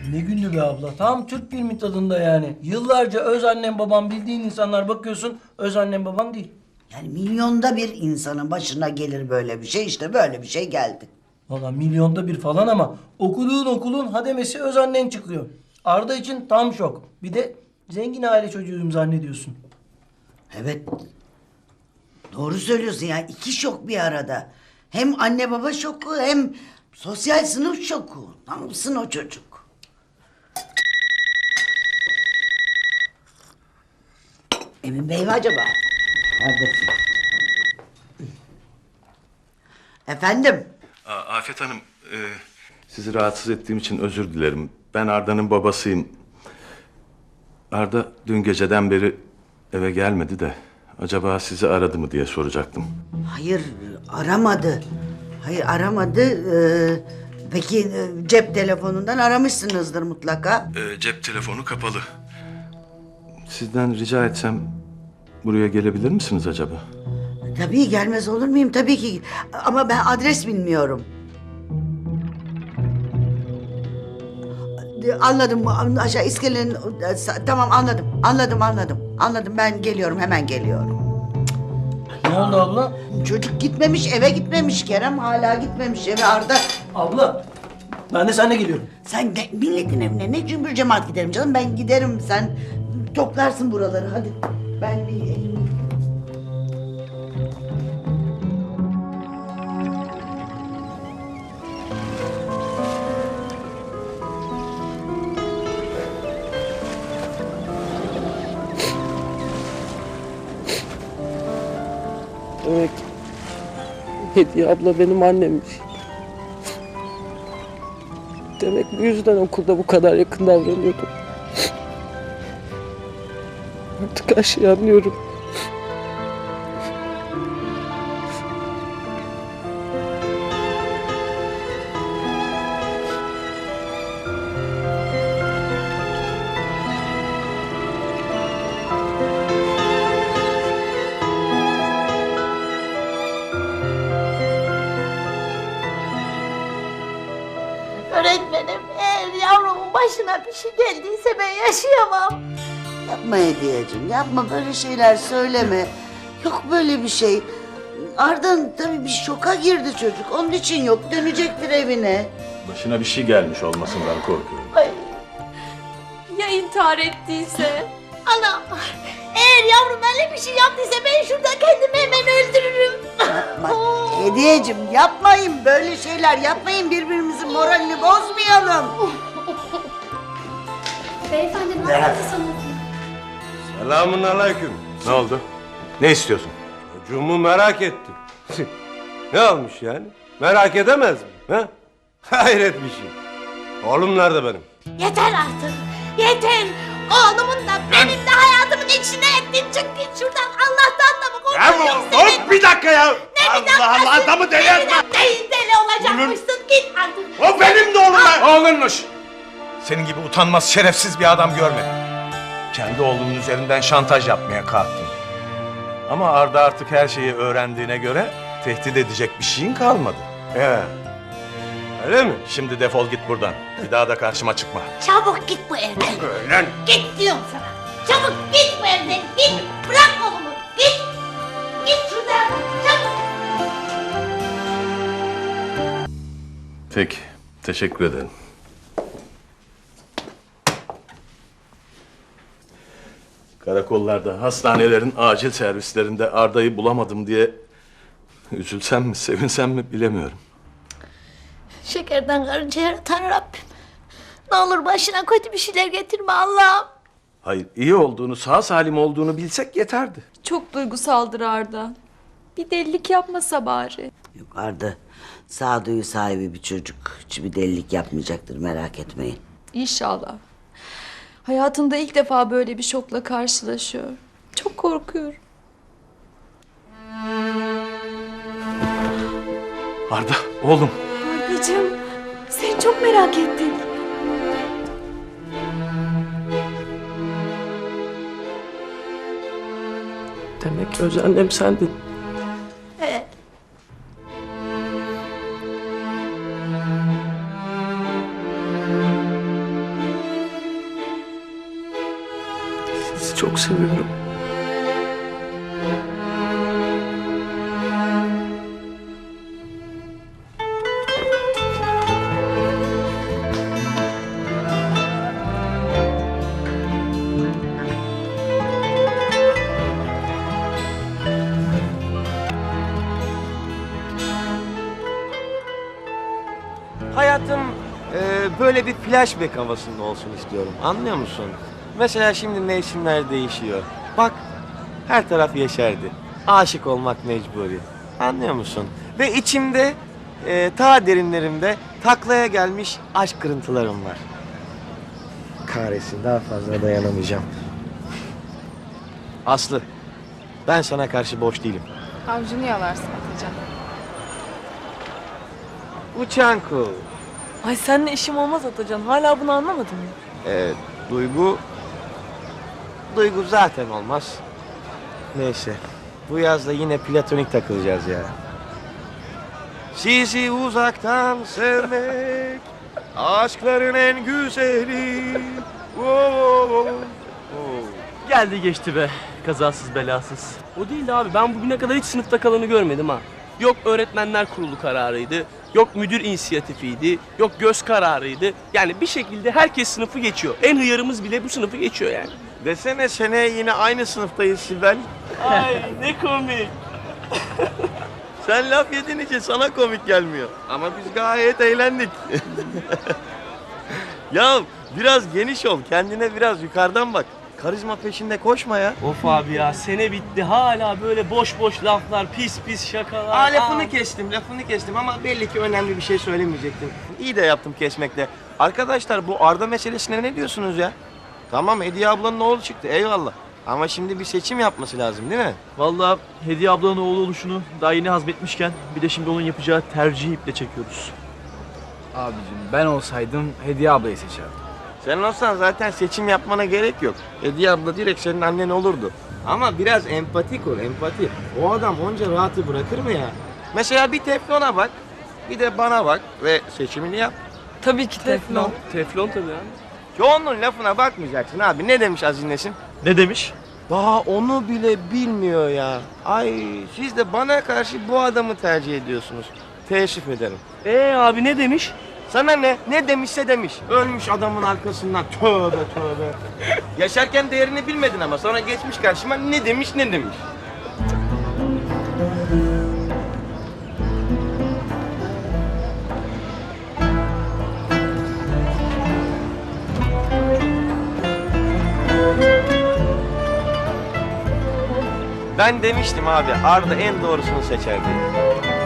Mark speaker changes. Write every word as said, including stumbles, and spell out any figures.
Speaker 1: Ne gündü be abla. Tam Türk filmi tadında yani. Yıllarca öz annem babam bildiğin insanlar, bakıyorsun öz annem babam değil.
Speaker 2: Yani milyonda bir insanın başına gelir böyle bir şey. İşte böyle bir şey geldi.
Speaker 1: Valla milyonda bir falan ama okuduğun okulun hademesi öz annen çıkıyor. Arda için tam şok. Bir de zengin aile çocuğuyum zannediyorsun.
Speaker 2: Evet. Doğru söylüyorsun ya. İki şok bir arada. Hem anne baba şoku hem sosyal sınıf şoku. Ne yapsın o çocuk? Emin Bey mi acaba? Neredesin? Efendim?
Speaker 3: Aa, Afet Hanım, e, sizi rahatsız ettiğim için özür dilerim. Ben Arda'nın babasıyım. Arda dün geceden beri eve gelmedi de acaba sizi aradı mı diye soracaktım.
Speaker 2: Hayır aramadı. Hayır aramadı. Ee, peki e, cep telefonundan aramışsınızdır mutlaka.
Speaker 3: E, cep telefonu kapalı. Sizden rica etsem buraya gelebilir misiniz acaba?
Speaker 2: Tabii gelmez olur muyum? Tabii ki. Ama ben adres bilmiyorum. Anladım. Aşağı iskelenin... Tamam anladım. Anladım anladım. Anladım ben geliyorum hemen geliyorum.
Speaker 1: Ne oldu abla?
Speaker 2: Çocuk gitmemiş eve gitmemiş. Kerem hala gitmemiş eve Arda.
Speaker 1: Abla ben de seninle geliyorum.
Speaker 2: Sen de milletin evine ne cümbür cemaat giderim canım. Ben giderim sen toplarsın buraları hadi. Ben bir elimi...
Speaker 4: Demek Hediye abla benim annemmiş. Demek bu yüzden okulda bu kadar yakın davranıyordum. Artık her şeyi anlıyorum.
Speaker 5: Öğretmenim, eğer yavrumun başına bir şey geldiyse ben yaşayamam.
Speaker 2: Yapma Hediyeciğim yapma böyle şeyler söyleme. Yok böyle bir şey. Arda'nın tabii bir şoka girdi çocuk. Onun için yok dönecektir evine.
Speaker 3: Başına bir şey gelmiş olmasından korkuyorum.
Speaker 5: Ay,
Speaker 6: Ya intihar ettiyse?
Speaker 5: anam, eğer yavrum öyle bir şey yaptıysa ben şurada kendimi hemen öldürürüm.
Speaker 2: Bak Hediyeciğim yapmayın böyle şeyler yapmayın birbirimizin moralini bozmayalım.
Speaker 6: Beyefendi ne yapıyorsunuz?
Speaker 7: Selamun aleyküm.
Speaker 3: Ne oldu? Ne istiyorsun?
Speaker 7: Çocuğumu merak ettim. Ne olmuş yani? Merak edemez mi? Ha? Hayret bir şey. Oğlum nerede benim?
Speaker 5: Yeter artık, yeter. Oğlumun da benim de hayatımın içine ettin. Çık git şuradan, Allah'tan da mı korkuyorsun sen?
Speaker 7: hop bir dakika ya.
Speaker 5: Ne bir
Speaker 7: Allah Allah adamı deli etme.
Speaker 5: Değil deli olacakmışsın, git artık.
Speaker 7: O benim de oğlum ben.
Speaker 3: Oğlunmuş. Senin gibi utanmaz, şerefsiz bir adam görmedim. Kendi oğlunun üzerinden şantaj yapmaya kalktın. Ama Arda artık her şeyi öğrendiğine göre tehdit edecek bir şeyin kalmadı.
Speaker 7: He. Öyle mi?
Speaker 3: Şimdi defol git buradan. Bir daha da karşıma çıkma.
Speaker 5: Çabuk git bu evden.
Speaker 7: Öyle.
Speaker 5: Git diyorum sana. Çabuk git bu evden. Git. Bırak oğlumu. Git. Git şuradan. Çabuk.
Speaker 3: Peki, teşekkür ederim. Karakollarda, hastanelerin acil servislerinde Arda'yı bulamadım diye üzülsem mi, sevinsem mi bilemiyorum.
Speaker 5: Şekerden karınca yaratan Rabbim. Ne olur başına kötü bir şeyler getirme Allah'ım.
Speaker 3: Hayır, iyi olduğunu, sağ salim olduğunu bilsek yeterdi.
Speaker 6: Çok duygusaldır Arda. Bir delilik yapmasa bari.
Speaker 2: Yok Arda sağduyu sahibi bir çocuk. Hiçbir delilik yapmayacaktır merak etmeyin.
Speaker 6: İnşallah. Hayatında ilk defa böyle bir şokla karşılaşıyor. Çok korkuyorum.
Speaker 3: Arda, oğlum.
Speaker 6: Ardacığım, seni çok merak ettik.
Speaker 4: Demek öz annem sendin.
Speaker 5: Evet.
Speaker 4: çok seviyorum.
Speaker 8: Hayatım e, böyle bir flashback havasında olsun istiyorum. Anlıyor musun? Mesela şimdi mevsimler değişiyor. Bak her taraf yeşerdi. Aşık olmak mecburi. Anlıyor musun? Ve içimde e, ta derinlerimde taklaya gelmiş aşk kırıntılarım var. Kahretsin, daha fazla dayanamayacağım. Aslı, ben sana karşı boş değilim.
Speaker 6: Avcunu yalarsın Atacan.
Speaker 8: Uçan kuğu.
Speaker 4: Ay seninle işim olmaz Atacan. Hala bunu anlamadın mı?
Speaker 8: Evet, duygu... Duygu zaten olmaz. Neyse, bu yazda yine platonik takılacağız ya. Sizi uzaktan sevmek, aşkların en güzeli. Oo, oo, oo.
Speaker 9: Geldi geçti be. Kazasız belasız. O değil de abi, ben bugüne kadar hiç sınıfta kalanı görmedim ha. Yok öğretmenler kurulu kararıydı. Yok müdür inisiyatifiydi. Yok göz kararıydı. Yani bir şekilde herkes sınıfı geçiyor. En hıyarımız bile bu sınıfı geçiyor yani.
Speaker 8: Desene seneye yine aynı sınıftayız Sibel.
Speaker 9: Ay ne komik.
Speaker 8: Sen laf yediğin için sana komik gelmiyor. Ama biz gayet eğlendik. Ya biraz geniş ol, kendine biraz yukarıdan bak. Karizma peşinde koşma ya.
Speaker 9: Of abi ya, sene bitti. Hala böyle boş boş laflar, pis pis şakalar.
Speaker 8: Aa, lafını
Speaker 9: Aa.
Speaker 8: kestim, lafını kestim ama belli ki önemli bir şey söylemeyecektim. İyi de yaptım kesmekle. Arkadaşlar bu Arda meselesine ne diyorsunuz ya? Tamam, Hediye ablanın oğlu çıktı, eyvallah. Ama şimdi bir seçim yapması lazım değil mi?
Speaker 9: Vallahi Hediye ablanın oğlu oluşunu daha yeni hazmetmişken bir de şimdi onun yapacağı tercihi iple çekiyoruz.
Speaker 10: Abicim ben olsaydım Hediye ablayı seçerdim.
Speaker 8: Sen olsan zaten seçim yapmana gerek yok. Hediye abla direkt senin annen olurdu. Ama biraz empatik ol, empati. O adam onca rahatı bırakır mı ya? Mesela bir Teflon'a bak, bir de bana bak ve seçimini yap.
Speaker 4: Tabii ki Teflon.
Speaker 9: Teflon tabii abi.
Speaker 8: Çoğunun lafına bakmayacaksın abi. Ne demiş Aziz Nesin?
Speaker 9: Ne demiş?
Speaker 8: Daha onu bile bilmiyor ya. Ay siz de bana karşı bu adamı tercih ediyorsunuz. Teessüf ederim.
Speaker 9: Ee abi ne demiş?
Speaker 8: Sana ne? Ne demişse demiş. Ölmüş adamın arkasından. Tövbe tövbe. Yaşarken değerini bilmedin ama sonra geçmiş karşıma ne demiş ne demiş. Ben demiştim abi, Arda en doğrusunu seçerdi.